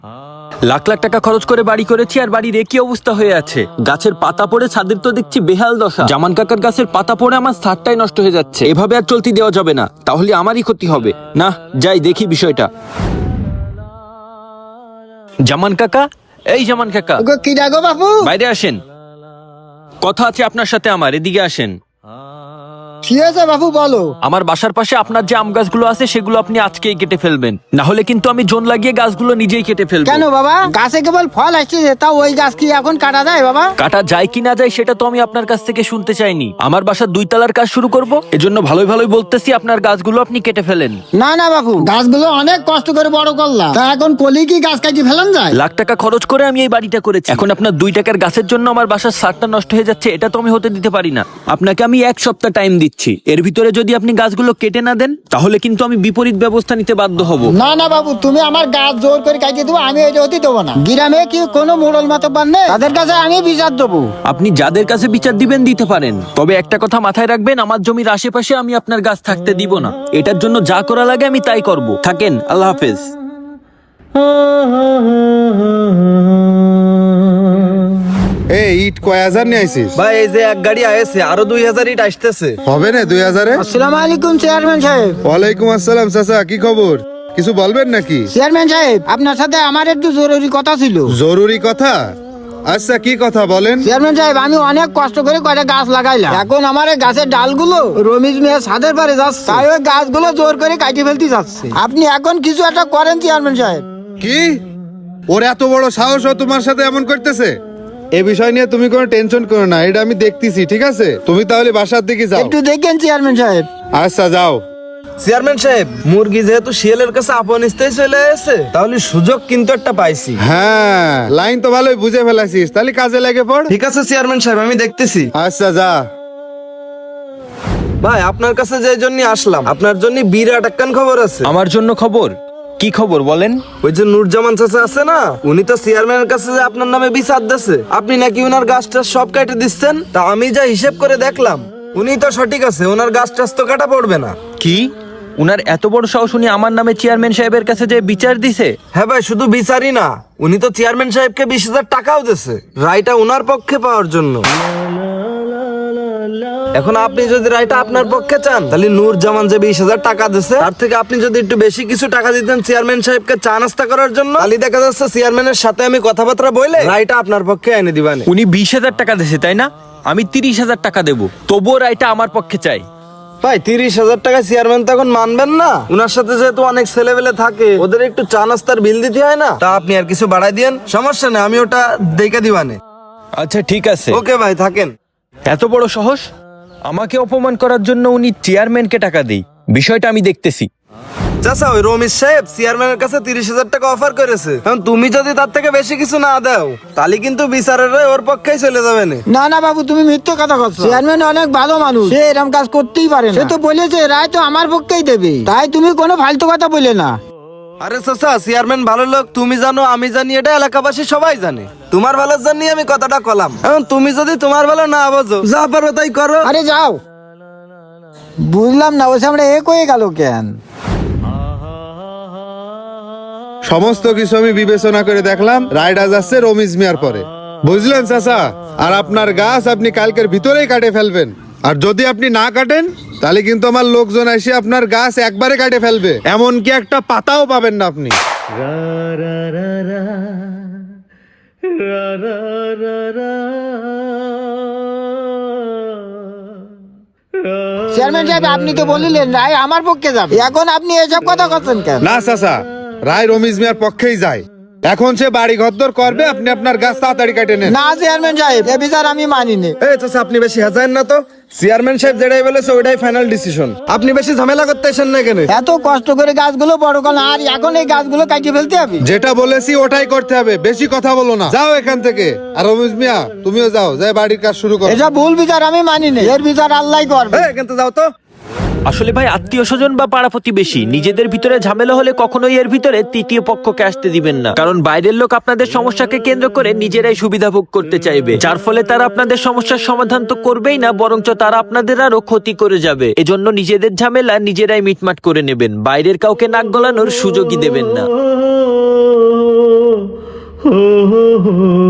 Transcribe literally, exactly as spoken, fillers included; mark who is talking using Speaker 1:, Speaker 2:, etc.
Speaker 1: লাখ লাখ টাকা খরচ করে বাড়ি করেছি আর বাড়ির একই অবস্থা হয়ে আছে। গাছের পাতা পড়ে ছাদের তো দেখছি বেহাল দশা। জামান কাকার গাছের পাতা পড়ে আমার ছাদটাই নষ্ট হয়ে যাচ্ছে। এভাবে আর চলতে দেওয়া যাবে না, তাহলে আমারই ক্ষতি হবে। না, যাই দেখি বিষয়টা। জামান কাকা, এই জামান কাকা,
Speaker 2: কি ডাকো বাপু?
Speaker 1: বাইরে আসেন, কথা আছে আপনার সাথে আমার। এদিকে আসেন।
Speaker 2: কি হয়েছে বাপু বলো?
Speaker 1: আমার বাসার পাশে আপনার যে আম গাছগুলো আছে সেগুলো আপনি আজকেই কেটে ফেলবেন, না হলে কিন্তু আমি জোন লাগিয়ে গাছগুলো নিজেই কেটে ফেলবো।
Speaker 2: কেন বাবা? গাছে কেবল ফল আসছে, তা ওই গাছ কি এখন কাটা যায় বাবা?
Speaker 1: কাটা যায় কি না যায় সেটা তো আমি আপনার কাছ থেকে শুনতে চাইনি। আমার বাসার দুই তলার কাজ শুরু করব, এজন্য ভালোই ভালোই বলতেছি আপনার গাছগুলো আপনি কেটে ফেলেন।
Speaker 2: না না বাপু, গাছগুলো অনেক কষ্ট করে বড় করলাম, তা এখন কলি কি গাছ কাটি ফেলেন যায়?
Speaker 1: লাখ টাকা খরচ করে আমি এই বাড়িটা করেছি, এখন আপনার দুই টাকার গাছের জন্য আমার বাসার ছাদটা নষ্ট হয়ে যাচ্ছে, এটা তো আমি হতে দিতে পারি না। আপনাকে আমি এক সপ্তাহ টাইম দিচ্ছি, এর ভিতরে যদি আপনি গাছগুলো কেটে না দেন তাহলে কিন্তু আমি বিপরীত ব্যবস্থা নিতে বাধ্য হব।
Speaker 2: না না বাবু, তুমি আমার গাছ জোর করে কাটিয়ে দেবো, আমি এটা হতে দেবো না। গ্রামে কি কোনো মোড়ল মাতব্বর নেই? তাদের কাছে আমি বিচার দেবো।
Speaker 1: আপনি যাদের কাছে বিচার দিবেন দিতে পারেন, তবে একটা কথা মাথায় রাখবেন, আমার জমির আশেপাশে আমি আপনার গাছ থাকতে দিব না। এটার জন্য যা করা লাগে আমি তাই করব। থাকেন, আল্লাহ হাফেজ।
Speaker 3: এই ইট কয় হাজার নিয়ে আইছিস?
Speaker 4: ভাই এই যে এক গাড়ি আয়েছে, আরো দুই হাজার ইট আসতেছে।
Speaker 3: হবে না দুই হাজারে?
Speaker 2: আসসালামু আলাইকুম চেয়ারম্যান সাহেব।
Speaker 3: ওয়ালাইকুম আসসালাম চাচা, কি খবর? কিছু বলবেন নাকি?
Speaker 2: চেয়ারম্যান সাহেব, আপনার সাথে আমার একটু জরুরি কথা ছিল।
Speaker 3: জরুরি কথা? আচ্ছা কি কথা বলেন।
Speaker 2: চেয়ারম্যান সাহেব, আমি অনেক কষ্ট করে কয়টা গাছ লাগাইলাম, এখন আমার এই গাছের ডালগুলো রমিজ মিয়া ছাদের পারে যাচ্ছে, তাই ওই গাছগুলো জোর করে কাটিয়ে ফেলতে যাচ্ছে। আপনি এখন কিছু একটা করেন চেয়ারম্যান সাহেব।
Speaker 3: কি ওর এত বড় সাহস ও তোমার সাথে এমন করতেছে? এ বিষয় নিয়ে তুমি কোনো টেনশন করো না, এটা আমি দেখতেছি, ঠিক আছে? তুমি তাহলে বাসার দিকে যাও।
Speaker 2: একটু দেখেন চেয়ারম্যান সাহেব।
Speaker 3: আচ্ছা যাও।
Speaker 4: চেয়ারম্যান সাহেব, মুরগি যেহেতু শিয়ালের কাছে আপন স্থায়ী চলে এসেছে, তাহলে সুযোগ কিন্তু একটা পাইছি।
Speaker 3: হ্যাঁ, লাইন তো ভালোই বুঝে ফেলাছিস, তাহলে কাজে লেগে পড়।
Speaker 4: ঠিক আছে চেয়ারম্যান সাহেব, আমি দেখতেছি।
Speaker 3: আচ্ছা যা।
Speaker 4: ভাই আপনার কাছে যে জন্য আসলাম, আপনার জন্য বিরাট একখান খবর আছে।
Speaker 1: আমার জন্য খবর? কি খবর বলেন?
Speaker 4: ওই যে নুরজামান চাচা আছে না, উনি তো চেয়ারম্যানের কাছে যে আপনার নামে বিচার দিচ্ছে, আপনি নাকি উনার গাছটা সব কেটে দিচ্ছেন। তা আমি যা হিসেব করে দেখলাম, উনি তো সঠিক আছে, ওনার গাছ টাছ তো কাটা পড়বে না।
Speaker 1: কি উনার এত বড় সাহস, উনি আমার নামে চেয়ারম্যান সাহেবের কাছে যে বিচার দিছে?
Speaker 4: হ্যাঁ ভাই, শুধু বিচারই না, উনি তো চেয়ারম্যান সাহেবকে বিশ হাজার টাকাও দিচ্ছে রায়টা উনার পক্ষে পাওয়ার জন্য। এখন আপনি যদি রায়টা আপনার পক্ষে চান, তাহলে নূরজামান যে বিশ হাজার টাকা দিচ্ছে, তার থেকে আপনি যদি একটু বেশি কিছু টাকা দিতেন চেয়ারম্যান সাহেবকে চা নাস্তা করার জন্য, তাহলে দেখা যাচ্ছে চেয়ারম্যানের সাথে আমি কথাবার্তা বলে রায়টা আপনার পক্ষে এনে দিবানে।
Speaker 1: উনি বিশ হাজার টাকা দিছে তাই না? আমি তিরিশ হাজার টাকা দেবো, তবুও রায়টা আমার পক্ষে চাই।
Speaker 4: ভাই তিরিশ হাজার টাকা চেয়ারম্যান তখন মানবেন না? উনার সাথে যেহেতু অনেক ছেলেবেলে থাকে, ওদের একটু চা নাস্তার বিল দিতে হয় না? তা আপনি আর কিছু বাড়াই দিয়েন, সমস্যা নেই, আমি ওটা দেখে দিবানে।
Speaker 1: আচ্ছা ঠিক আছে।
Speaker 4: ওকে ভাই, থাকেন।
Speaker 1: এত বড় সাহস, আমাকে অপমান করার জন্য উনি চেয়ারম্যানকে টাকা দেই, বিষয়টা আমি দেখতেছি।
Speaker 4: চাচা, ওই রমেশ সাহেব চেয়ারম্যানের কাছে তিরিশ হাজার টাকা অফার করেছে, কারণ তুমি যদি তার থেকে বেশি কিছু না দাও, তাহলে কিন্তু বিচারের রায় ওর পক্ষেই চলে যাবে না।
Speaker 2: না না বাবু, তুমি মিথ্যে কথা বলছো। চেয়ারম্যান অনেক ভালো মানুষ, সে এরকম কাজ করতেই পারে না। সে তো বলেছে রায় তো আমার পক্ষেই দেবে, তাই তুমি কোনো ফালতু কথা বলে না।
Speaker 4: আরে চাচা, চেয়ারম্যান ভালো লোক, তুমি জানো আমি জানি, এটা এলাকাবাসী সবাই জানে। তোমার ভালোর জন্যই আমি কথাটা কলাম, এখন তুমি যদি তোমার ভালো না বোঝো, যা পারো তাই করো।
Speaker 2: আরে যাও। বুঝলাম না, ওই সামনে এক হয়ে গেল কেন?
Speaker 3: সমস্ত কিছু আমি বিবেচনা করে দেখলাম, রায়ডা যাচ্ছে রমিজ মিয়ার পরে, বুঝলেন চাচা? আর আপনার গাছ আপনি কালকের ভিতরেই কাটে ফেলবেন, আর যদি আপনি না কাটেন তাহলে কিন্তু আমার লোকজন এসে আপনার গাছ একবারে কাটে ফেলবে, এমনকি একটা পাতাও পাবেন না আপনি।
Speaker 2: চেয়ারম্যান সাহেব, আপনি তো বলিলেন রায় আমার পক্ষে যাবে, এখন আপনি এসব কথা করছেন কেন?
Speaker 3: না চাচা, রায় রমিজ মিয়ার পক্ষেই যায়, এখন সে বাড়ি ঘরদর করবে, আপনি আপনার গাছ তাড়াতাড়ি কাটে নেন।
Speaker 2: না চেয়ারম্যান সাহেব, এ বিচার আমি মানিনি।
Speaker 4: এই চাচা, আপনি বেশি হাজারেন না তো, চেয়ারম্যান সাহেব যেটাই বলেছে ওইটাই ফাইনাল ডিসিশন, আপনি বেশি ঝামেলা করতে আসেন না কেন?
Speaker 2: এত কষ্ট করে গাছগুলো বড় করলাম, আর এখন এই গাছগুলো কাটিয়ে ফেলতে হবে?
Speaker 3: যেটা বলেছি ওটাই করতে হবে, বেশি কথা বলো না, যাও এখান থেকে। আর রমিজ মিয়া তুমিও যাও, যাই বাড়ির কাজ শুরু করো।
Speaker 2: এসব ভুল বিচার আমি মানিনি, এর বিচার আল্লাহ করবে।
Speaker 4: এই, কিন্তু যাও তো।
Speaker 1: আসলে ভাই, আত্মীয় স্বজন বা পাড়া প্রতিবেশী নিজেদের ভিতরে ঝামেলা হলে কখনোই এর ভিতরে তৃতীয় পক্ষকে আসতে দিবেন না, কারণ বাইরের লোক আপনাদের সমস্যাকে কেন্দ্র করে নিজেরাই সুবিধা ভোগ করতে চাইবে, যার ফলে তারা আপনাদের সমস্যার সমাধান তো করবেই না, বরঞ্চ তারা আপনাদের আরো ক্ষতি করে যাবে। এজন্য নিজেদের ঝামেলা নিজেরাই মিটমাট করে নেবেন, বাইরের কাউকে নাক গলানোর সুযোগই দেবেন না।
Speaker 5: হো হো হো